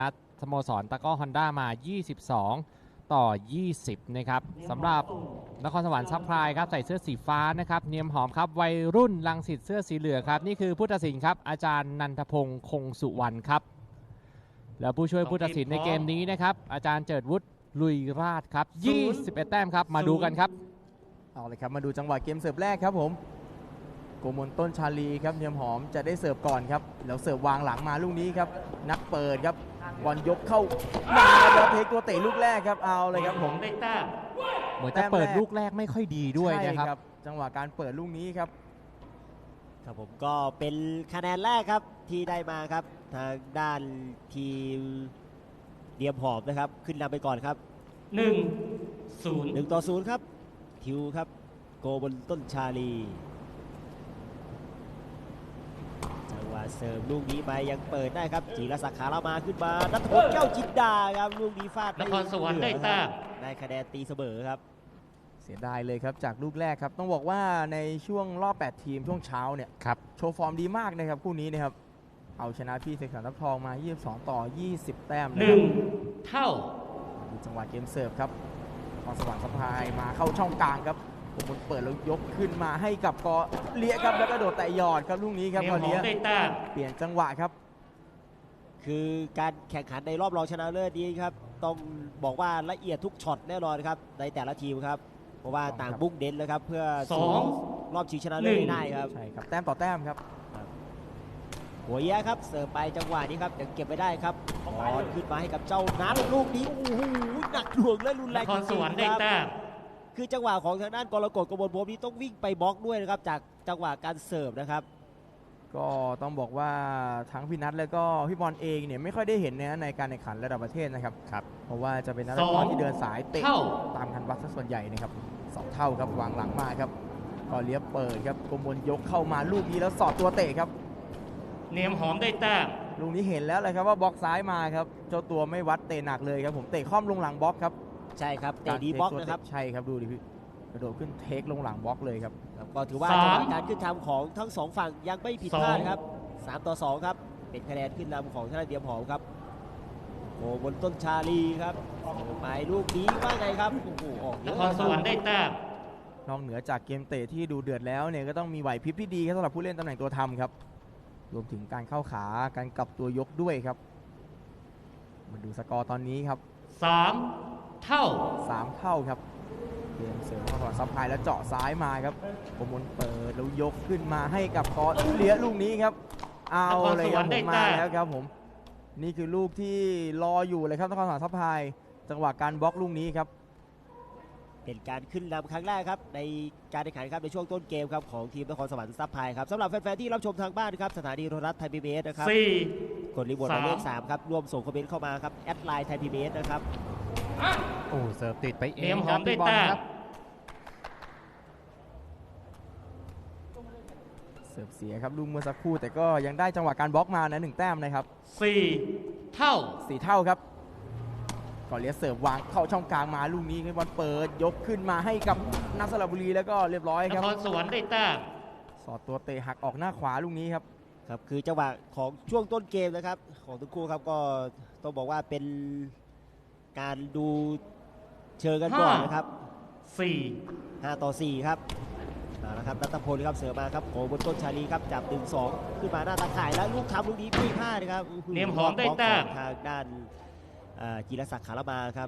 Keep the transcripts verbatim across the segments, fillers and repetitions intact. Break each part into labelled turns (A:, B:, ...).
A: สโมสรตะกร้อฮอนด้ามายี่สิบสองต่อยี่สิบนะครับสำหรับนครสวรรค์ซัพพลายครับใส่เสื้อสีฟ้านะครับเนียมหอมครับวัยรุ่นรังสิตเสื้อสีเหลืองครับนี่คือผู้ตัดสินครับอาจารย์นันทพงศ์คงสุวรรณครับแล้วผู้ช่วยผู้ตัดสินในเกมนี้นะครับอาจารย์เจิดวุฒิลุยราชครับยี่สิบเอ็ดแต้มครับมาดูกันครับ
B: เอาเลยครับมาดูจังหวะเกมเสิร์ฟแรกครับผมโกมลต้นชาลีครับเนียมหอมจะได้เสิร์ฟก่อนครับแล้วเสิร์ฟวางหลังมาลูกนี้ครับนักเปิดครับบอลยกเข้ามาแล้วเทคตัวเตะลูกแรกครับเอาเลยครับผม
C: ได้แต้ม
A: เหมือนจะเปิดลูกแรกไม่ค่อยดีด้วยนะครับ
B: จังหวะการเปิดลูกนี้ครับ
D: ครับผมก็เป็นคะแนนแรกครับที่ได้มาครับทางด้านทีมเนียมหอมนะครับขึ้นนำไปก่อนครับ
C: หนึ่งศูนย์
D: หนึ่งต่อศูนย์ครับทิวครับโกบนต้นชาลีจังหวะเสริมลูกนี้ไปยังเปิดได้ครับจีรศักดิ์ขาละมาขึ้นมานัทพลแก้วจินดาครับลูกนี้ฟาด
C: นครสวรรค์ได้แต้ม
D: ได้คะแนนตีเสมอครับ
B: เสียดายเลยครับจากลูกแรกครับต้องบอกว่าในช่วงรอบแปดทีมช่วงเช้าเนี่ย
A: ครับ
B: โชว์ฟอร์มดีมากนะครับคู่นี้นะครับเอาชนะพี่เสกสรรทับทองมายี่สิบสองต่อยี่สิบแต้ม
C: หนึ่งเท่า
B: ดูจังหวะเกมเสิร์ฟครับนครสวรรค์ซัพพลายมาเข้าช่องกลางครับผมเปิดแล้วยกขึ้นมาให้กับกอเลี้ยครับแล้วก็โดดแต่หยอดครับลูกนี้ครับกอเลี้ยเปลี่ยนจังหวะครับ
D: คือการแข่งขันในรอบรองชนะเลิศนี้ครับต้องบอกว่าละเอียดทุกช็อตแน่นอนครับในแต่ละทีมครับเพราะว่าต่างมุ่งเน้นเลยครับเพื่อสู่รอบชิงชนะเลิศได้ครับ
B: ใช่ครับแต้มต่อแต้มครับ
D: หัวเยะครับเสิร์ฟไปจังหวะนี้ครับยังเก็บไปได้ครับบอลขึ้นมาให้กับเจ้านัทลูกนี้โอ้โหหนักหน่วงและรุนแรง
C: จริงๆครับ
D: คือจังหวะของทางด้านกรกฎกมลพรหมนี้ต้องวิ่งไปบล็อกด้วยนะครับจากจังหวะการเสิร์ฟนะครับ
B: ก็ต้องบอกว่าทั้งพี่นัทแล้วก็พี่บอลเองเนี่ยไม่ค่อยได้เห็นนะในการแข่งขันระดับประเทศนะครับ
A: ครับ
B: เพราะว่าจะเป็นนักบอลที่เดินสายเตะตามคันวัดซะส่วนใหญ่นะครับสองเท่าครับวางหลังมาครับก็เลี้ยบเปิดครับกมลยกเข้ามาลูกนี้แล้วสอดตัวเตะครับ
C: เนียมหอมได้แต้ม
B: ลูกนี้เห็นแล้วเลยครับว่าบล็อกซ้ายมาครับเจ้าตัวไม่วัดเตะหนักเลยครับผมเตะค่อมลงหลังบล็อกครับ
D: ใช่ครับเตะดีบล็อกนะครับ
B: ใช่ครับดูดิพี่กระโดดขึ้นเทคลงหลังบล็อกเลยครับ
D: ก็ถือว่าการขึ้นทำของทั้งสองฝั่งยังไม่ผิดพลาดครับสามต่อสองครับเป็นคะแนนขึ้นนำของทางเนียมหอมครับโอ้บนต้นชาลีครับไปลูกนี้ว่าไงครับโอ้โหออก
C: นครสวรรค์ได้แต้ม
B: นอกเหนือจากเกมเตะที่ดูเดือดแล้วเนี่ยก็ต้องมีไหวพริบที่ดีครับสำหรับผู้เล่นตำแหน่งตัวทำครับรวมถึงการเข้าขาการกลับตัวยกด้วยครับมาดูสกอร์ตอนนี้ครับ
C: สามเท่า
B: สามเท่าครับเกมเสริมของซัพพลายแล้วเจาะซ้ายมาครับกมลเปิดแล้วยกขึ้นมาให้กับกอเลี้ยลูกนี้ครับเอาเลยครับผมมาแล้วครับผมนี่คือลูกที่รออยู่เลยครับนครสวรรค์ซัพพลายจังหวะการบล็อกลูกนี้ครับ
D: เป็นการขึ้นนำครั้งแรกครับในการแข่งขันครับในช่วงต้นเกมครับของทีมนครสวรรค์ซัพพลายครับสำหรับแฟนๆที่รับชมทางบ้านครับสถานีโทรทัศน์ไทยพีบีเอสนะครับกดรีโมทหมายเลขสามครับร่วมส่งคอมเมนต์เข้ามาครับแอดไลน์ไทยพีบีเอสนะครับ
A: โอ้เสิร์ฟติดไปเอง
C: เนียมหอมได้แต้ม
B: เสิร์ฟเสียครับลูกเมื่อสักครู่แต่ก็ยังได้จังหวะการบล็อกมานะหนึ่งแต้มนะครับ
C: สี่เท่า
B: สี่เท่าครับก่อนเลี้ยเสิร์ฟวางเข้าช่องกลางมาลูกนี้คือบอลเปิดยกขึ้นมาให้กับนักสระบุรีแล้วก็เรียบร้อยครับ
C: นครสวรรค์ได้แต้ม
B: สอดตัวเตะหักออกหน้าขวาลูกนี้ครับ
D: ครับคือจังหวะของช่วงต้นเกมนะครับของทั้งคู่ครับก็ต้องบอกว่าเป็นการดูเชิงกันก่อนนะครับ
C: สี่
D: ห้าต่อสี่ครับนะครับนัทพลครับเสือมาครับโขบนต้นชาลีครับจับหนึ่งสองขึ้นมาหน้าตาข่ายแล้วลูกทำลูกนี้ไม่พลาดนะครับ
C: เนียมหอมได้แต้ม
D: ทางด้านจีรศักดิ์ขาละมาครับ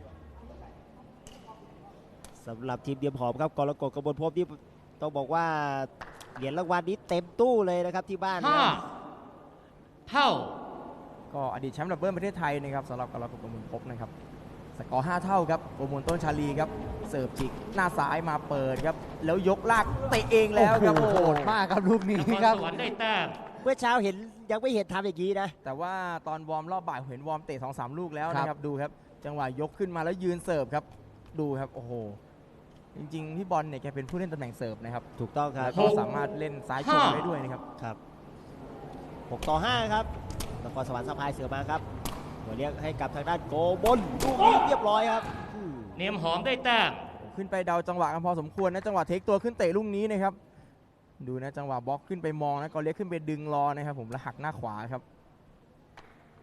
D: สำหรับทีมเนียมหอมครับกรกฎกมลพรหมที่ต้องบอกว่าเหรียญรางวัลนี้เต็มตู้เลยนะครับที่บ้าน
C: ห้าเท่า
B: ก็อดีตแชมป์ดับเบิลประเทศไทยนะครับสำหรับกรกฎกมลพรหมนะครับสกอร์ห้าเท่าครับโกมลต้นชาลีครับเสิร์ฟจิกหน้าซ้ายมาเปิดครับแล้วยกลากเตะเองแล้วครับ
A: โหดมากครับลูกนี้ครับ
C: นครสวรรค์ได้แต้ม
D: เมื่อเช้าเห็นยังไม่เห็นทำอย่างนี้นะ
B: แต่ว่าตอนวอร์มรอบบ่ายเห็นวอร์มเตะ สองสาม ลูกแล้วนะครับดูครับจังหวะยกขึ้นมาแล้วยืนเสิร์ฟครับดูครับโอ้โหจริงๆพี่บอลเนี่ยแกเป็นผู้เล่นตำแหน่งเสิร์ฟนะครับ
D: ถูกต้องครับ
B: เขาสามารถเล่นซ้ายชนได้ด้วยนะครับ
D: ครับหกต่อห้าครับนครสวรรค์ซัพพลายเสือมาครับหัวเลี้ยงให้กับทางด้านโกบลลูกนี้เรียบร้อยครับ
C: เนียมหอมได้แต้ม
B: ขึ้นไปเดาจังหวะกันพอสมควรนะจังหวะเทคตัวขึ้นเตะลูกนี้นะครับดูนะจังหวะบล็อกขึ้นไปมองนะก็เลี้ยงขึ้นไปดึงรอนะครับผมแล้วหักหน้าขวาครับ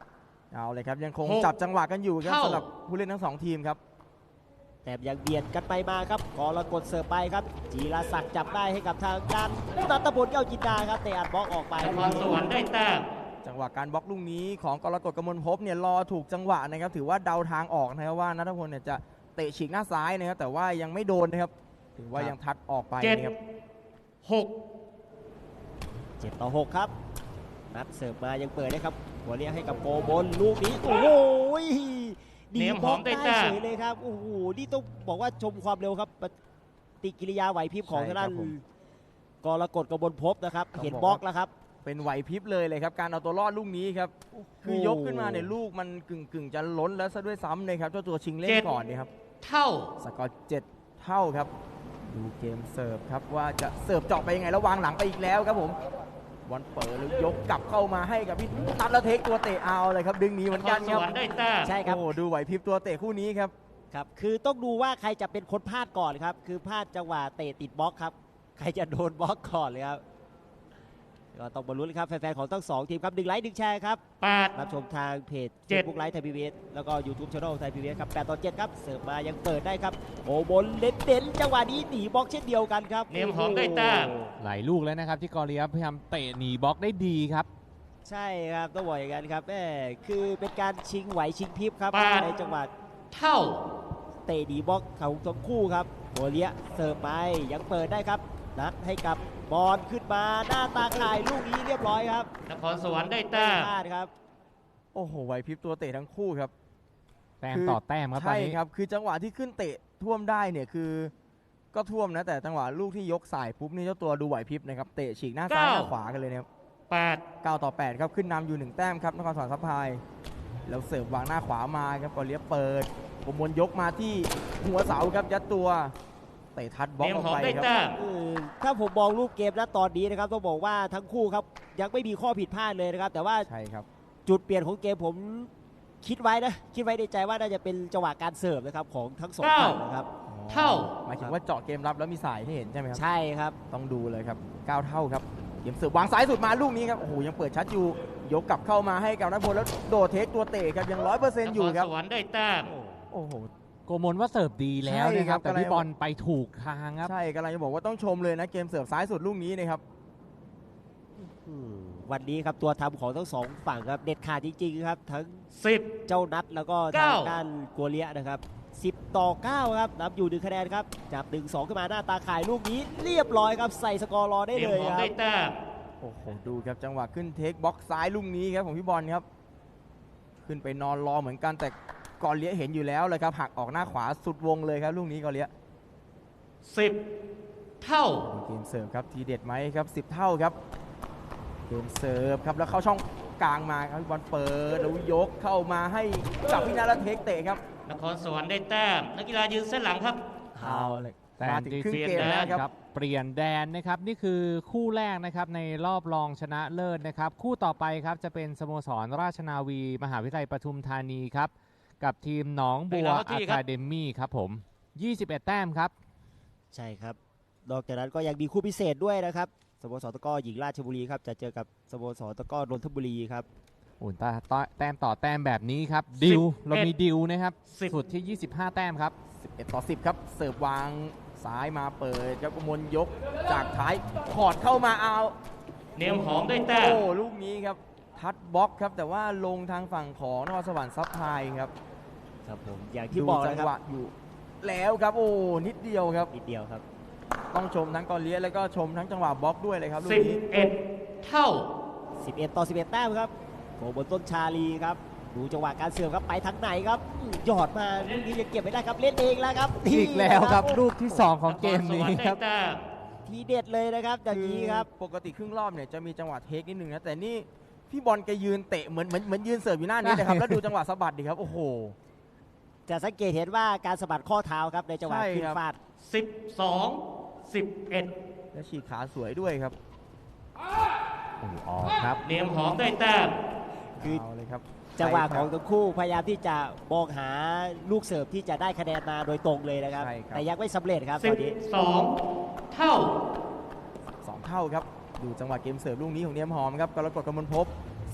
B: เอาเลยครับยังคง
C: หก
B: จับจังหวะกันอยู่ครับ
C: เท่า
B: สำหรับผู้เล่นทั้งสองทีมครับ
D: แต่ยังเบียดกันไปมาครับกรกฎเสิร์ฟไปครับจีรศักดิ์จับได้ให้กับทางด้านนัทพลเก้าจินดาครับเตะอัดบล็อกออกไป
C: นครสวรรค์ได้แต้ม
B: จังหวะการบล็อกลูกนี้ของกรกฎกมลภพเนี่ยรอถูกจังหวะนะครับถือว่าเดาทางออกนะครับว่านัทพลเนี่ยจะเตะฉีกหน้าซ้ายนะครับแต่ว่ายังไม่โดนนะครับถือว่ายังทัดออกไป
C: เจ็ด
B: นะครับ
C: หก
D: เจ็ดต่อหกครับนัดเสิร์ฟมายังเปิดได้ครับหัวเลี้ยงให้กับโกบนลูกนี้โอ้โหดี
C: เนียม
D: บ
C: ห
D: ล็
C: อ
D: อ
C: ม
D: ก
C: ได้
D: ได้
C: แต้
D: เฉ
C: ม
D: ยเลยครับโอ้โหนี่ต้องบอกว่าชมความเร็วครับปฏิกิริยาไหวพริบของทางด้านกรกฎกมลภพนะครับเห็นบล็อกแล้วครับ
B: เป็นไหวพริบเลยเลยครับการเอาตัวรอดลูกนี้ครับคือยกขึ้นมาเนี่ยลูกมันกึ่งกึ่งๆจะล้นแล้วซะด้วยซ้ำเลยครับเจ้าตัวชิงเล่น
C: เจ็ด
B: ก่อนเนี่ยครับ
C: เท่า
B: สกอร์เจ็ดเท่าครับดูเกมเสิร์ฟครับว่าจะเสิร์ฟเจาะไปยังไงแล้ววางหลังไปอีกแล้วครับผมบอลเปิดแล้วยกกลับเข้ามาให้กับพี่นัทแล้วเทคตัวเตะเอาเลยครับดึงหนีเหมือน
C: นค
B: กั
C: ร
B: น
C: ส
B: ครับ
C: วรรค์ได้แต้ม
D: ใช่ครับ
B: โอ้ดูไหวพริบตัวเตะคู่นี้ครับ
D: ครับคือต้องดูว่าใครจะเป็นคนพลาดก่อนครับคือพลาดจังหวะเตะติดบล็อกครับใครจะโดนบล็อกก่อนเลยครับก็ต้องมาลุ้นครับแฟนๆของทั้งสองทีมครับหนึ่งไลค์หนึ่งแชร์ครับ
C: แปด
D: รับชมทางเพจ
C: เจ็ด
D: Facebook ไลฟ์ไทยพีบีเอสแล้วก็ YouTube Channel ไทยพีบีเอสครับแปดต่อเจ็ดครับเสิร์ฟมายังเปิดได้ครับโอ้บนเด็ดเด่นจังหวะนี้หนีบล็อกเช่นเดียวกันครับ
C: เนียมหอมได้แต้ม
D: โอ้
A: หลายลูกแล้วนะครับที่กอริยับพยายามเตะหนีบล็อกได้ดีครับ
D: ใช่ครับต้องบอกอย่างนั้นครับแม่คือเป็นการชิงไหวชิงพริบครับ
C: แปด
D: ในจังหวะ
C: เท่า
D: เตะดีบล็อกของทั้งคู่ครับโหัวเลี้ยเสิร์ฟไปยังเปิดได้ครับนัดให้กับบอลขึ้นมาหน้าตาข่ายลูกนี้เรียบร้อยครับ
C: นครสวรรค์ได้แต้ม
D: พลาดครับ
B: โอ้โหไหวพริบตัวเตะทั้งคู่ครับ
A: แต้ม
B: คือ
A: ต่อแต้มครับตอน
B: ใช่
A: นี้
B: ครับคือจังหวะที่ขึ้นเตะท่วมได้เนี่ยคือก็ท่วมนะแต่จังหวะลูกที่ยกสายปุ๊บนี่เจ้าตัวดูไหวพริบนะครับเตะฉีกหน้าซ้ายหน้าขวากันเลยนะครับ
C: แปด
B: เก้าต่อแปดครับขึ้นนำอยู่หนึ่งแต้มครับนครสวรรค์ซัพพลายแล้วเสิร์ฟวางหน้าขวามาครับกอเลียเปิดผมมนยกมาที่หัวเสาครับยัดตัวเตะทัดบล็อก
C: เนียม
B: ออก
C: หอม
B: ไป
C: ได้
B: ครับ
C: แต้ม
D: เออถ้าผมมองรูปเกมนะตอนนี้นะครับต้องบอกว่าทั้งคู่ครับยังไม่มีข้อผิดพลาดเลยนะครับแต่ว่า
B: ใช่ครับ
D: จุดเปลี่ยนของเกมผมคิดไว้นะคิดไว้ในใจว่าน่าจะเป็นจังหวะการเสิร์ฟนะครับของทั้งสองฝั่งนะครับ
C: เท่า
B: หมายถึงว่าเจาะเกมรับแล้วมีสายให้เห็นใช่ไหมครับ
D: ใช่ครับ
B: ต้องดูเลยครับเก้าเท่าครับเกมเสิร์ฟวางซ้ายสุดมาลูกนี้ครับโอ้โหยังเปิดชัดอยู่ยกกลับเข้ามาให้กับนัทพลแล้วโดดเทคตัวเตะครับยังร้อยเปอร์เซ็น
C: น
B: ต์อ
C: ค
B: ยู่
C: ร
B: ครับ
C: สวรรค์ได้แต้ม
B: โอ้โห
A: โกมลว่าเสิร์ฟดีแล้ว
B: ใช่
A: นะค
B: ครั
A: รับบ แต่
B: กำลัง
A: พี่บอลไปถูกทางครับ
B: ใช่กำลังจะบอกว่าต้องชมเลยนะเกมเสิร์ฟซ้ายสุดลูกนี้นะครับ
D: อืมวันนี้ครับตัวทำของทั้งสองฝั่งครับเด็ดขาดจริงๆครับทั้ง
C: สิบ
D: เจ้านัดแล้วก็ทาง
C: เก้า
D: ด้านกัวเลียนะครับสิบต่อเก้าครับนำอยู่หนึ่งคะแนนครับจับหนึ่งสองขึ้นมาหน้าตาข่ายลูกนี้เรียบร้อยครับใส่สกอร์รอได้
C: เนีย
D: เล
C: ม
D: ย
C: หอม
D: ครับ
C: ได้แต้ม
B: โอ้โหดูครับจังหวะขึ้นเทคบล็อกซ้ายลูกนี้ครับของพี่บอลครับขึ้นไปนอนรอเหมือนกันแต่กอเลียเห็นอยู่แล้วเลยครับหักออกหน้าขวาสุดวงเลยครับลูกนี้กอเลีย
C: สิบเท่า
B: เกมเสิร์ฟครับทีเด็ดไหมครับสิบเท่าครับเกมเสิร์ฟครับแล้วเข้าช่องกลางมาครับพี่บอลเปิดแล้วยกเข้ามาให้กับพี่นาและเทคเตะครับ
C: นครสวรรค์ได้แต้ม นักกีฬายืนเส้นหลังครับ
B: เอาเลย
A: แต่
B: มาถึงครึ่งเกมแล้วครับ
A: เปลี่ยนแดนนะครับนี่คือคู่แรกนะครับในรอบรองชนะเลิศนะครับ คู่ต่อไปครับจะเป็นสโมสรราชนาวี มหาวิทยาลัยปทุมธานีครับกับทีมหนองบัว
C: เวลาเข้าที่
A: อะ
C: ครับ
A: คาเดมี่ครับผมยี่สิบเอ็ดแต้มครับ
D: ใช่ครับนอกจากนั้นก็ยังมีคู่พิเศษด้วยนะครับสโมสรตะกร้อหญิงราชบุรีครับจะเจอกับสโมสรตะกร้อนนทบุรีครับ
A: อุ่นตาต่อแต้มต่อแต้มแบบนี้ครับดิวเรามีดิวนะครับ
C: สิบ
A: สุดที่ยี่สิบห้าแต้มครับ
B: สิบเอ็ดต่อสิบครับเสิร์ฟวางซ้ายมาเปิดครับกมลยกจากท้ายขอดเข้ามาเอา
C: เนียมหอมได้แต้ม
B: โอ้ลูกนี้ครับทัดบล็อกครับแต่ว่าลงทางฝั่งของนครสวรรค์ซับไพลายครับ
D: ครับผมอย่างที่บอก
B: ดู
D: นะ
B: จั
D: ค
B: งห
D: รั
B: วะ
D: บ
B: อยู่แล้วครับโอ้นิดเดียวครับ
D: นิดเดียวครับ
B: ต้องชมทั้งกอเลียสแล้วก็ชมทั้งจังหวะบล็อกด้วยเลยครับลูก
C: สิบ
B: นี้
C: เอ็ดเท่า
D: สิบเอ็ดต่อสิบเอ็ดแต้มครับโกบนต้นชาลีครับดูจังหวะการเสิร์ฟครับไปทางไหนครับอื้อหยอดมาลูกนี้ยังเก็บไม่ได้ครับเล่นเองแล้วครับ
A: อีกแล้วครับ
D: นี่นะ
A: ลูกที่สองของเกม
C: นครสว
A: นี้
C: รรค์ได้
A: ครับ
C: แต้ม
D: ทีเด็ดเลยนะครับอย่างนี้ครับ
B: ปกติครึ่งรอบเนี่ยจะมีจังหวะเทคนิดนึงนะแต่นี่พี่บอลแกยืนเตะเหมือนเหมือนเหมือนยืนเสิร์ฟอยู่หน้านี้นะครับ แล้วดูจังหวะสะบัดดิครับโอ้โห
D: จะสังเกตเห็นว่าการสะบัดข้อเท้าครับในจังหวะ
B: ใช่
D: ขึ้น
B: ครับ
D: ฟาด
C: สิบสองสิบเอ็ด
B: และฉีกขาสวยด้วยครับ
A: โอ้โหออกครับ
C: เนียมหอมได้แต้ม
D: คือ
B: เอาเลยครับ
D: จังหวะของ
B: ใช่ครับ
D: ทั้งคู่พยายามที่จะมองหาลูกเสิร์ฟที่จะได้คะแนนมาโดยตรงเลยนะครับ
B: ใช่ครับ
D: แต่ยังไม่สำเร็จครับ
C: สิ
D: ต
C: บ
D: อนนี้
C: สองเท่า
B: สองเท่าครับดูจังหวะเกมเสิร์ฟลูกนี้ของเนียมหอมครับกรกฎกมลภพ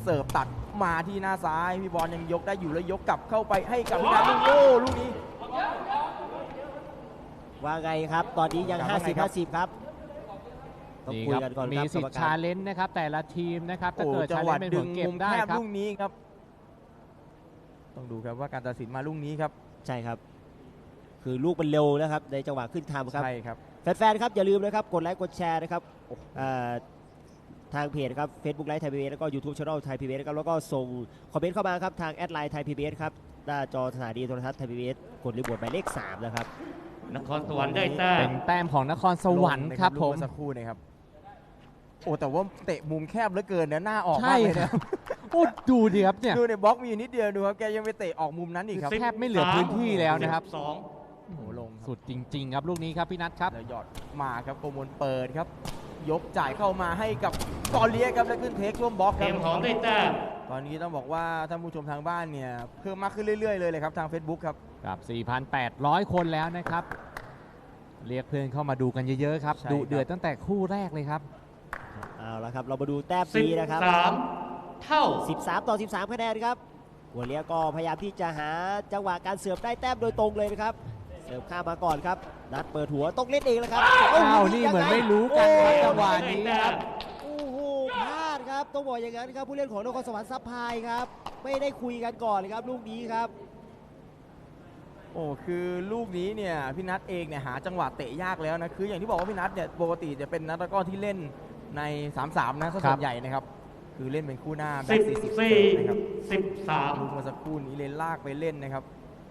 B: เสิร์ฟตัดมาที่หน้าซ้ายพี่บอลยังยกได้อยู่แล้วยกกลับเข้าไปให้กับพี่นัทลูกโอ้ลูกนี้
D: ว่าไงครับ ตอนนี้ยัง
B: ครับ
D: ห้าสิบ
B: ว่าไงครับ
D: ห้าสิบครับต้อง
A: นี่
D: คุย
A: ครับ
D: กันก่อน
A: มี
D: ครับ
A: สิท
D: กรร
A: ธิ์
D: กา
A: ชาร เลนจ์นะครับแต่ละทีมนะครับถ้า
B: โอ้
A: เกิด
B: จั
A: ชาง เล
B: หวะ
A: นจ์เป็น
B: ดึ
A: ผ
B: ง
A: ลเก็บ
B: มุม
A: ได้
B: แคบ
A: ครับ
B: ลูกนี้ครับต้องดูครับว่าการตัดสินมาลูกนี้ครับ
D: ใช่ครับ คือลูกมันเร็วนะครับในจังหวะขึ้นทำครับ
B: ใช่ครับ
D: แฟนๆครับอย่าลืมนะครับกดไลค์กดแชร์นะครับอ่าทางเพจครับ Facebook ไลฟ์ไทยพีบีเอสแล้วก็ YouTube Channel ไทยพีบีเอสครับแล้วก็ส่งคอมเมนต์เข้ามาครับทางแอดไลน์ไทยพีบีเอสครับหน้าจอสถานีโทรทัศน์ไทยพีบีเอสกดรีโมทหมายเลขสามนะครับ
C: นครสวรรค์ได้แต้
A: เป็
C: ม
A: นแต้มของนครสวรรค์ครับ
B: ล
A: ผ
B: ง
A: ม
B: นะลูกเอสักครู่นะครับโอ้แต่ว่าเตะมุมแคบเหลือเกินนะหน้าออก
A: ใช่
B: มากเลย
A: ครั
B: นะ
A: บ โอ้ดูดิครับเนี่ย
B: ดูในบล็อกมีอยู่นิดเดียวดูครับแกยังไปเตะออกมุมนั้นอีกครับ
A: แทบไม่เหลือพื้นที่แล้วนะครับ
C: สอง
B: โอ้โหลงครับ
A: สุดจริง ๆ ครับลูกนี้ครับพี่นัทครับ
B: แล้วหยอดมาครับโกมลเปิดครับ ยกจ่ายเข้ามาให้กับกอเลียครับแล้วขึ้นเทคช่วงบล็อกค
C: เต
B: รั
C: รี
B: บ
C: ยมของได้แต้ม
B: ตอนนี้ต้องบอกว่าท่านผู้ชมทางบ้านเนี่ยเพิ่มมากขึ้นเรื่อยๆเลยเลยครับทาง Facebook ครับ
A: กับ สี่พันแปดร้อย คนแล้วนะครับ เรียกเพื่อนเข้ามาดูกันเยอะๆครับ
B: ใช่ครับ
A: ดุเดือดตั้งแต่คู่แรกเลยครับ
D: เอาละครับเรามาดูแต้ม
C: สิบ
D: นี้นะครับ
C: สามเท่า
D: สิบสามต่อสิบสามคะแนนครับหัวเลียก็พยายามที่จะหาจังหวะการเสิร์ฟได้แต้มโดยตรงเลยนะครับเสิร์ฟข้ามมาก่อนครับนัดเปิดหัวต้องเล่นเองแล้วครับ
A: อ้าวนี่เหมือนไม่รู้กันครับจังหวะนี้ครับ
D: โอ้โหพลาดครับต้องบอกอย่างนั้นครับผู้เล่นของนครสวรรค์ซับพลายครับไม่ได้คุยกันก่อนเลยครับลูกนี้ครับ
B: โอ้คือลูกนี้เนี่ยพี่นัทเองเนี่ยหาจังหวะเตะยากแล้วนะคืออย่างที่บอกว่าพี่นัทเนี่ยปกติจะเป็นนักตะกร้อที่เล่นใน สามสาม นะซะส่วนใหญ่นะครับคือเล่นเป็นคู่หน้าแบ็
C: สิ
B: ค
C: บ
B: สี่สิบ
C: สี่
B: นะครับ
C: สิบสาม
B: ลูกเมื่อสักครู่นี้เลยลากไปเล่นนะครับ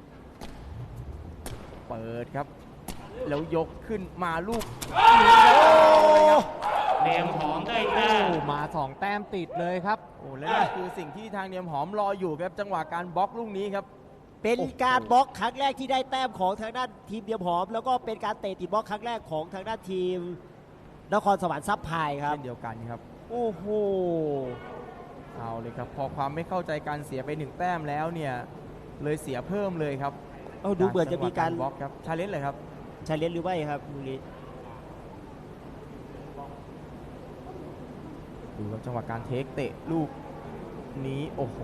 B: เปิดครับ แล้วยกขึ้นมาลูกนี้ครับ
C: เตรียมของได้แต้
A: โอ้
C: ม
A: มาสองแต้มติดเลยครับ
B: โอ้และนี่คือสิ่งที่ทางเนียมหอมรออยู่ครับจังหวะการบล็อกลูกนี้ครับ
D: เป็นการบล็อกครั้งแรกที่ได้แต้มของทางด้านทีมเดียมหอม แล้วก็เป็นการเตะติดบล็อกครั้งแรกของทางด้านทีมนครสวรรค์ซับพลายครับ
B: เช่นเดียวกันครับ
D: โอ้โห
B: เอาเลยครับพอความไม่เข้าใจการเสียไปหนึ่งแต้มแล้วเนี่ยเลยเสียเพิ่มเลยครับ
D: เอาดูเหมือนจะมีการ
B: บล็อกครับชาเลนจ์เลยครับ
D: ชาเลนจ์หรือไม่ครับลูกนี้
B: ดูครับจังหวะการเทคเตะลูกนี้โอ้โห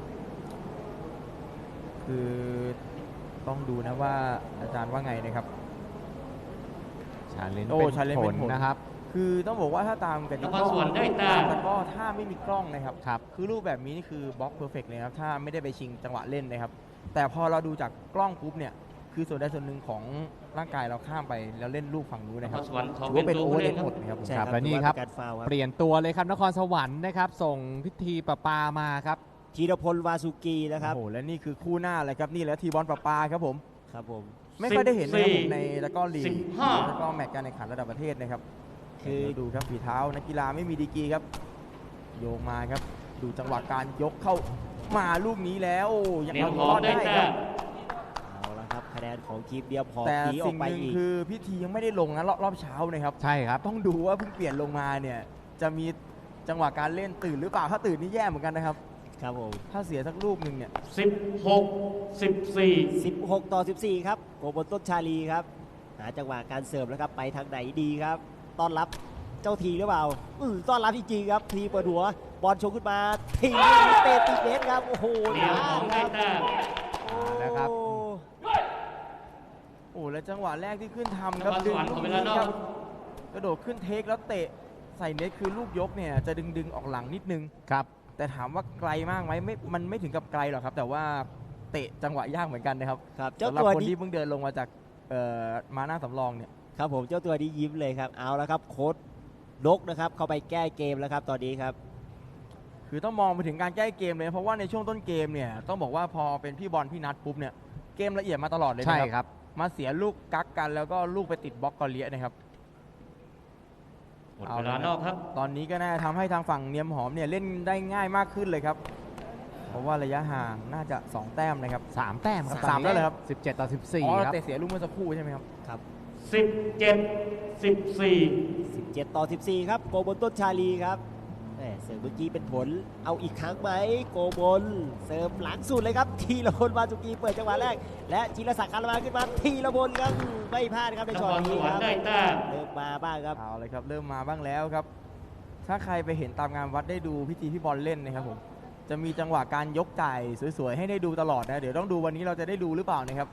B: คือต้องดูนะว่าอาจารย์ว่าไงนะครับ
A: ชาเลนจ์
B: โอ้
A: เป็น
B: challenge
A: ผ
B: เป็
A: ล
B: นผล
A: นะครับ
B: คือต้องบอกว่าถ้าตามกัน
C: นครสวรรค์ได้แต้
B: ตาม มตะกร้อถ้าไม่มีกล้องนะครับ
A: ครับ
B: คือรูปแบบนี้นี่คือบล็อกเพอร์เฟกต์เลยครับถ้าไม่ได้ไปชิงจังหวะเล่นนะครับ แต่พอเราดูจากกล้องปุ๊บเนี่ยคือส่วนใดส่วนหนึ่งของร่างกายเราข้ามไปแล้วเล่นลูกฝั่งนู้น
C: น
B: นะ
C: ค
B: ครั
C: ร
B: บ
C: สวรรค์ขอ
B: ถือ
C: เป็น
B: ว่าเป็น
C: ตัว
B: โอเวอ
C: ผู้
B: ร์เล
C: เล่น
B: น
C: ค
B: หม
C: รั
B: ด
C: บ
B: นะครับผม
D: ใช่
A: ครับ
D: ครับ
A: และนี่ครับ
D: ถือว่าเป็นการฟาวล์ครับ
A: เปลี่ยนตัวเลยครับนครสวรรค์นะครับ ส่งพิธีประปามาครับ
D: ธีรพลวาสุกีนะครับ
B: โอ้โหและนี่คือคู่หน้าเลยครับนี่แหละทีบอลประปาครับผม
D: ครับผม
B: ไม่ค่อยได้เห็นนะครับผม
C: สิบสี่
B: ในตะกร้อลีก
C: สิบห้า
B: ตะกร้อแมตช์การแข่งขันระดับประเทศนะครับ
D: คือ
B: เดี๋ยวดูครับฝีเท้านักกีฬาไม่มีดีกรีครับ โยงมาครับ ดูจังหวะการยกเข้ามาลูกนี้แล้วยัง
C: เตรียม
B: เอา
C: ข
B: ร
C: อง
B: อด
C: ได้
B: ได้ค
C: แต้
B: รับ
C: ม
D: เอาละครับคะแนนของทีมเดียมหอม
B: แต่
D: หนีออ
B: สิ่
D: ก
B: ง
D: ไป
B: หนึ่ง
D: อีก
B: คือพิธียังไม่ได้ลงนะรอบรอบเช้านะครับ
A: ใช่ครับ
B: ต้องดูว่าเพิ่งเปลี่ยนลงมาเนี่ยจะมีจังหวะการเล่นตื่นหรือเปล่าถ้าตื่นนี่แย่เหมือนกันนะครับ
D: ครับผม
B: ถ้าเสียสักลูกหนึ่งเนี่ย
C: สิบหก สิบสี่
D: สิบหกต่อสิบสี่ครับโกบนต้นชาลีครับหาจังหวะการเสิร์ฟแล้วครับไปทางไหนดีครับต้อนรับเจ้าทีหรือเปล่าอือต้อนรับจริงๆครับทีเปิดหัวบอลชงขึ้นมาทีเตะติดเน็ตครับโอ้โห
C: เตรียมของ
D: ค
C: ได้
D: รับ
C: แต้ม
A: นะครับ
D: โอ้
B: โอ้และจังหวะแรกที่ขึ้นทำ
C: น
B: ครับ
C: ครส
B: ดึง
C: วรรค์
B: ลู
C: ข
B: ก
C: อเว
B: นี้
C: ลานอ
B: ค
C: ก
B: รับกระโดดขึ้นเทคแล้วเตะใส่เน็ตคือลูกยกเนี่ยจะดึงดึงๆออกหลังนิดนึง
A: ครับ
B: แต่ถามว่าไกลมากไหมไม่มันไม่ถึงกับไกลหรอกครับ แต่ว่าเตะจังหวะยากเหมือนกันนะครับ
D: ครับเจ้า
B: สำหรับ
D: ตัว
B: คน
D: นี้
B: ที่เพิ่งเดินลงมาจากเอ่อมาหน้าสำรองเนี่ย
D: ครับผมเจ้าตัวนี้ยิ้มเลยครับเอาแล้วครับโค้ดนกนะครับเข้าไปแก้เกมแล้วครับตอนนี้ครับ
B: คือต้องมองไปถึงการแก้เกมเลยเพราะว่าในช่วงต้นเกมเนี่ยต้องบอกว่าพอเป็นพี่บอลพี่นัทปุ๊บเนี่ยเกมละเอียดมาตลอดเลย
A: ใช่
B: นะค
A: ครับ รับ
B: มาเสียลูกกักกันแล้วก็ลูกไปติดบล็อกกอเลียนะครับ
C: หมดเวลานอกครับ
B: ตอนนี้ก็น่าจะทำให้ทางฝั่งเนียมหอมเนี่ยเล่นได้ง่ายมากขึ้นเลยครับ เพราะว่าระยะห่างน่าจะสองแต้มนะครับ
A: สามแต้มครับ
B: สามแล้วเหรอครับ
A: สิบเจ็ดต่อสิบสี่
B: อ๋อ
A: ครับ
B: เตะเสียลูกเมื่อสักครู่ใช่ไหมครับ
D: ครับ
C: สิบเจ็ด สิบสี่
D: สิบเจ็ดต่อสิบสี่ครับโกบนต้นชาลีครับแหม่เสิร์ฟเมื่อกี้เป็นผลเอาอีกครั้งไหมโกบนเสิร์ฟหลังสุดเลยครับทีละพลวาสุกีเปิดจังหวะแรก และจิรศักดิ์คารมาขึ้นมาทีละพลครับไม่พลาดครับใน
C: น
D: ช็อ
C: ค
D: ต
C: รส
D: นี้
C: วร
D: ค
C: ร
D: รับ
C: ค์ได้แต้ม
D: เริ่มมาบ้างครับ
B: เอาเลยครับเริ่มมาบ้างแล้วครับ ถ้าใครไปเห็นตามงานวัดได้ดูพิธีพี่บอลเล่นนะครับผมจะมีจังหวะการยกไก่สวยๆให้ได้ดูตลอดนะเดี๋ยวต้องดูวันนี้เราจะได้ดูหรือเปล่านะครับ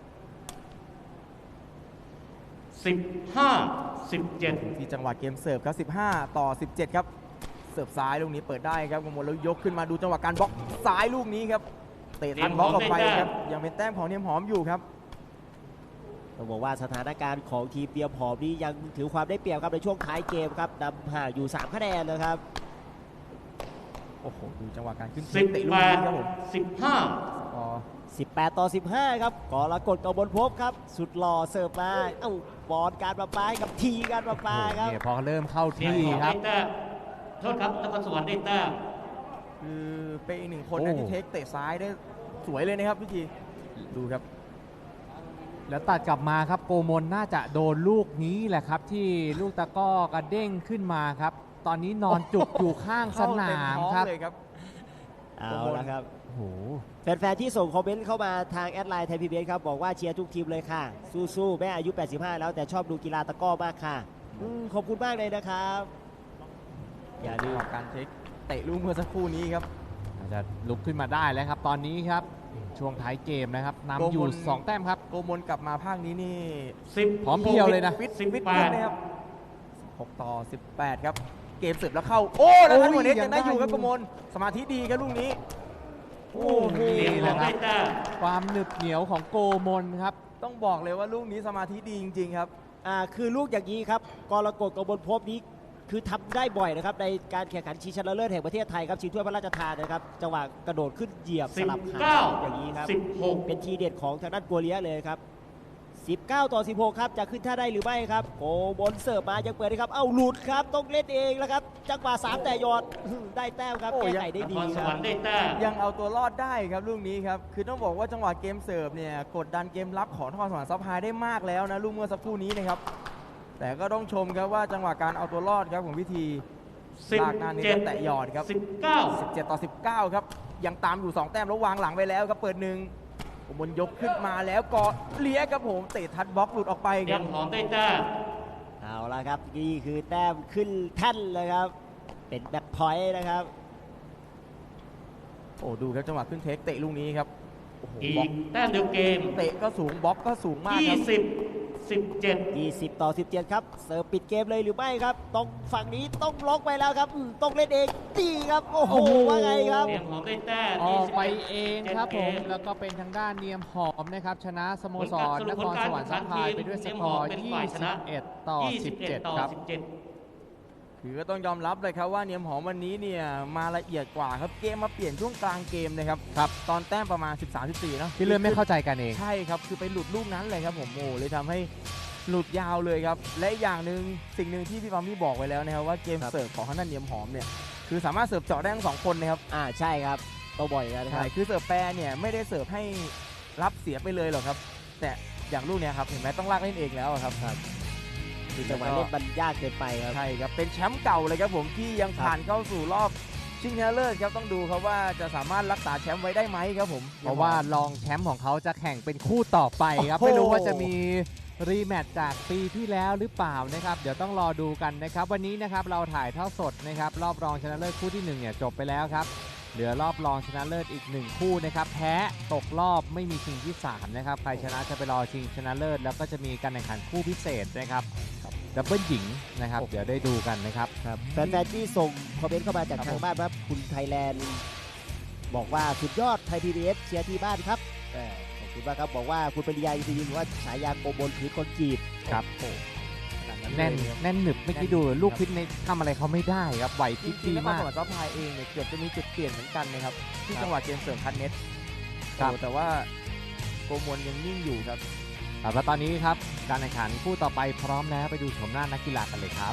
C: สิบห้า สิบเจ็ด
B: ที่จังหวะเกมเสิร์ฟครับสิบห้าต่อสิบเจ็ดครับเสิร์ฟซ้ายลูกนี้เปิดได้ครับกมลแล้วยกขึ้นมาดูจังหวะการบล็อกซ้ายลูกนี้ครับเตะทันบล็อกออกไปครับยังเป็นแต้มของเนียมหอมอยู่ครับ
D: ต้องบอกว่าสถานการณ์ของทีมเตรียมหอมนี้ยังถือความได้เปรียบครับในช่วงท้ายเกมครับนำห่างอยู่สามคะแนนนะครับ
B: โอ้โหดูจังหวะการขึ้น
C: สิบ
B: เตะลู
C: แป
B: ก
C: ด
B: นี้ครับผม
C: สิบห้า
B: อ๋อ
D: สิบแปดต่อสิบห้าครับกรกฎกบลภพครับสุดหล่อเสิร์ฟมาเอ้าบอลการประปาให้กับทีการประปาครับ
A: เนี่ยพอเริ่มเข้า
C: เนียม
A: ที่
C: หอม
A: ครั
C: ได้
A: บ
C: แต้มโทษครับนครสวรรค์ได้แต้ม
B: คือเป็นอีกหนึ่งคน
A: โอ้
B: นะที่เทคเตะซ้ายได้สวยเลยนะครับพี่จีดูครับ
A: แล้วตัดกลับมาครับโกมลน่าจะโดนลูกนี้แหละครับ ที่ลูกตะกร้อกระเด้งขึ้นมาครับ ตอนนี้นอนจุกอยู่ข้างสนามครับ
B: เข้เต็ท้องเลยครับ
D: เอาละครับ
A: โอ้โห
D: แฟนๆที่ส่งคอมเมนต์เข้ามาทางแอดไลน์ไทยพีบีเอสครับบอกว่าเชียร์ทุกทีมเลยค่ะ สู้ๆแม่อายุ แปดสิบห้า แล้วแต่ชอบดูกีฬาตะกร้อมากค่ะอืมขอบคุณมากเลยนะครับอย่า
B: ดู
D: ลืม
B: การเทคเตะลูกเมื่อสักครู่นี้ครับ
A: อาจจะลุกขึ้นมาได้แล้วครับ ตอนนี้ครับช่วงท้ายเกมนะครับนำอยู่
B: โกมล
A: สองแต้มครับ
B: โกมลกลับมาภาคนี้นี่
C: สิบ
A: พร้อมเพรียวเลยนะ
B: ฟิต
C: สิบ
B: ฟิต
C: แป
B: ขึ้น
C: ด
B: นะครับหกต่อสิบแปดครับเกมเสิร์ฟแล้วเข้าโอ้แล้วทัน
A: โอ้ย
B: หัวเน็ต
A: ยั
B: ยัง
A: ง
B: ได้
A: ได้
B: อยู่ครับ
A: อยู่
B: กมลสมาธิดีครับลูกนี้โอ้โห
C: เนียมหอมได้แต้ม
A: ความหนึบเหนียวของโกมลครับ
B: ต้องบอกเลยว่าลูกนี้สมาธิดีจริงๆครับ
D: อ่าคือลูกอย่างนี้ครับกรกฎกบลภพนี้คือทำได้บ่อยนะครับในการแข่งขันชิงชนะเลิศแห่งประเทศไทยครับชิงถ้วยพระราชทานนะครับจังหวะกระโดดขึ้นเหยียบส
C: สิบ
D: ลับขา
C: เก้า
D: อย่างนี้ครับ
C: สิบหก
D: เป็นทีเด็ดของทางด้านกัวเลียเลยครับสิบเก้าต่อสิบหกครับจะขึ้นท่าได้หรือไม่ครับโกบนเสิร์ฟมายังเปิดได้ครับเอ้าหลุดครับต้องเล่นเองแล้วครับจังหวะสามแต่ยอดได้แต้มครับ
B: โอ้
D: แก้
B: ยัง
D: ไขได้
C: น
D: ดี
C: ครส
D: คว รั
C: ร
D: บ
C: รค์ได้แต้ม
B: ยังเอาตัวรอดได้ครับลูกนี้ครับคือต้องบอกว่าจังหวะเกมเสิร์ฟเนี่ยกดดันเกมรับของนครสวรรค์ซับไฮได้มากแล้วนะลูกเมื่อสักครู่นี้นะครับแต่ก็ต้องชมครับว่าจังหวะการเอาตัวรอดครับของพิธี
C: สิบ
B: ลากหน้านี้
C: เจ็ด
B: แตะหยอดครับ
C: สิบเก้า
B: สิบเจ็ดต่อสิบเก้าครับยังตามอยู่สองแต้มแล้ววางหลังไปแล้วครับเปิดหนึ่งผมบนยกขึ้นมาแล้วก็เลี้ยครับผมเตะทัดบล็อกหลุดออกไป
C: เนี
B: ค
C: ย
B: รับ
C: มหอมได้แต้ม
D: เอาละครับนี่คือแต้มขึ้นแท่นเลยครับเป็นแบ็คพอยต์นะครับ
B: โอ้ดูครับจังหวะขึ้นเทคเตะลูกนี้ครับโอ้โห
C: อี
B: บล็อก
C: กแต้มเดียวเกม
B: เตะก็สูงบล็อกก็สูงมากค
C: ยี่
B: รับ
C: สิบ สิบเจ็ด
D: ยี่สิบต่อสิบเจ็ดครับเสิร์ฟปิดเกมเลยหรือไม่ครับต้องฝั่งนี้ต้องล็อกไปแล้วครับอืมต้องเล่นเองดีครับโอ้โห
A: โอ้โห
D: ว่าไงครับ
C: เนียมหอมได้แต้ม
A: ออกไป
C: ยี่สิบ
A: เองครับผม แล้วก็เป็นทางด้านเนียมหอมนะครับชนะสโมสรนครสวรรค์ซัพพลายไปด้วยสกอร์ ยี่สิบเอ็ด ต่อ สิบเจ็ด
C: ต่อ
A: ครับ
C: สิบเจ็ด
B: คือก็ต้องยอมรับเลยครับว่าเนียมหอมวันนี้เนี่ยมาละเอียดกว่าครับเกมมาเปลี่ยนช่วงกลางเกมนะครับครับตอนแต้มประมาณ สิบสาม สิบสี่เนอะ
A: ที่เริ่มไม่เข้าใจกันเอง
B: ใช่ครับคือไปหลุดลูกนั้นเลยครับผมโอ้เลยทำให้หลุดยาวเลยครับและอีกอย่างหนึ่งสิ่งหนึ่งที่พี่ปามี่บอกไว้แล้วนะครับว่าเกม
D: ครับ
B: เสิร์ฟของทางด้านเนียมหอมเนี่ยคือสามารถเสิร์ฟเจาะได้ทั้งสองคนนะครับ
D: อ่าใช่ครับต้องบ่อยกันนะค
B: ใช่
D: รับ
B: คือเสิร์ฟแปรเนี่ยไม่ได้เสิร์ฟให้รับเสียไปเลยหรอกครับ แต่อย่างลูกเนี่ยครับเห็นไหมต้องลากเล่นเองแล้วอะครับ
D: คือจังหวะเล่นมันยากเกินไปครับ
B: ใช่ครับเป็นแชมป์เก่าเลยครับผมที่ยังผ่านเข้าสู่รอบชิงชนะเลิศครับต้องดูครับว่าจะสามารถรักษาแชมป์ไว้ได้ไหมครับผม
A: เพราะว่ารองแชมป์ของเขาจะแข่งเป็นคู่ต่อไปครับ
B: โอ้โห
A: ไม่รู้ว่าจะมีรีแมตช์จากปีที่แล้วหรือเปล่านะครับ เดี๋ยวต้องรอดูกันนะครับ วันนี้นะครับเราถ่ายทอดสดนะครับรอบรองชนะเลิศคู่ที่หนึ่งเนี่ยจบไปแล้วครับเหลือรอบรองชนะเลิศอีกหนึ่งคู่นะครับแพ้ตกรอบไม่มีชิงที่สามนะครับใครชนะจะไปรอชิงชนะเลิศแล้วก็จะมีการแข่งขันคู่พิเศษนะครับดับเบิลหญิงนะครับเดี๋ยวได้ดูกันนะครับ
D: แฟนๆที่ส่งคอมเมนต์เข้ามาจากทางบ้านครับคุณไทยแลนด์บอกว่าสุดยอดไทยพีบีเอสเชียร์ที่บ้านครับเออขอบคุณมากครับบอกว่าคุณปริยาอินทรีย์หรือว่าฉายาโกบลถือคนจีบ
A: ครับ
B: โอ้ขนาดนั้น
A: แน่น
B: เลยครับ
A: แน่นหนึบไม่อกี้ดูลูกพิษในทำอะไรเขาไม่ได้ครับไหวพ
B: จ
A: ริบ
B: ริง
A: ดี
B: ๆนคร
A: มาก
B: สวรรค์ซัพพลายเองเนี่ยเกือบจะมีจุดเปลี่ยนเหมือนกันนะครับที่
A: ครับ
B: จังหวะเกมเสริมคันเน็ต
A: ครับ
B: โอ้แต่ว่าโกมลยังนิ่งอยู่ครับ
A: ครับแล้วตอนนี้ครับการแข่งขันคู่ต่อไปพร้อมแล้วไปดูชมหน้านักกีฬากันเลยครับ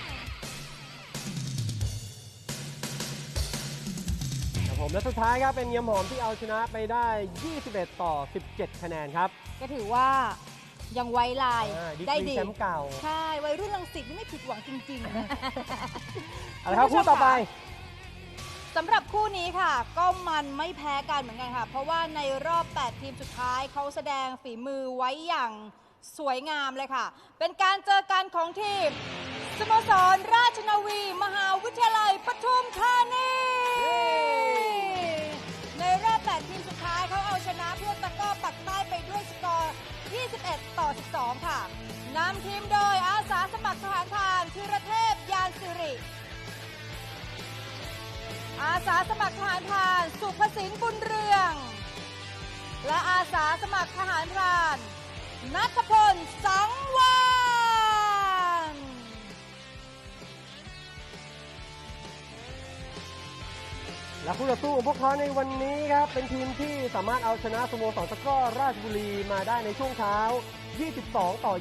E: ครับผมและสุดท้ายครับเป็นเนียมหอมที่เอาชนะไปได้ ยี่สิบเอ็ด ต่อ สิบเจ็ด คะแนนครับ
F: ก็ถือว่ายังไว้ลาย
E: อ่าดี
F: ได้
E: กรี
F: ดี
E: แชมป์เก่า
F: ใช่วัยรุ่นรังสิตนี่ไม่ผิดหวังจริงๆนะ
E: เอาละครับ
F: คุณผู้ชม
E: คู่ต่อไป
F: สำหรับคู่นี้ค่ะ ก็มันไม่แพ้กันเหมือนกันค่ะ เพราะว่าในรอบ แปด ทีมสุดท้ายเขาแสดงฝีมือไว้อย่างสวยงามเลยค่ะ เป็นการเจอกันของทีมสโมสรราชนาวี มหาวิทยาลัยปทุมธานียี่สิบเอ็ด ต่อ สิบสอง ค่ะนำทีมโดยอาสาสมัครทหารพรานธีรเทพยานสิริอาสาสมัครทหารพรานสุภสินบุญเรือง และอาสาสมัครทหารพรานณัฐพลสังวาน
E: และคู่ต่อสู้ของพวกเขาในวันนี้ครับเป็นทีมที่สามารถเอาชนะสโมสรตะกร้อราชบุรีมาได้ในช่วงเช้า ยี่สิบสอง ต่อ